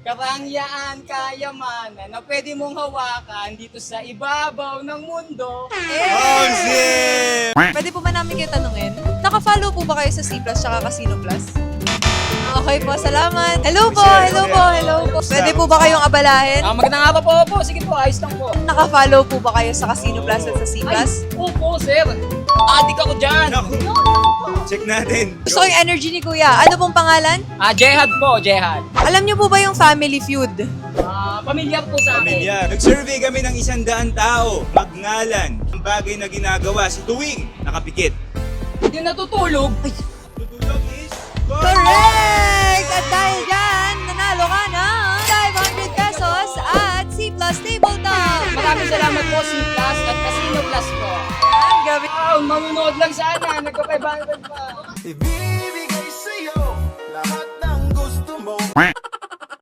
karangyaan, kayamanan na pwede mong hawakan dito sa ibabaw ng mundo. Oh, shit! Pwede po ba namin kayo tanungin? Naka-follow po ba kayo sa C Plus tsaka Casino Plus? Okay po, salamat. Hello po, hello po, hello po. Pwede po ba kayong abalahin? Magandang araw po. Sige po, ayos lang po. Naka-follow po ba kayo sa Casino Plus at sa C Plus? Opo, sir. Adik ako dyan. Naku. Check natin. Gusto ko yung energy ni Kuya. Ano pong pangalan? Jehad po, Jehad. Alam niyo po ba yung Family Feud? Pamilyar po sa akin. Pamilya. Nag-survey kami ng 100 tao. Magngalan ang bagay na ginagawa sa tuwing nakapikit. Hindi natutulog. Tutulog is... Correct! At dahil dyan, nanalo ka ng 500 pesos at C Plus Tabletop! Maraming salamat po, C Plus at Casino Plus po. Yan, gabi. Manunood lang sana. Nagpa-500 pa. Ibibigay sa'yo lahat ng gusto mo.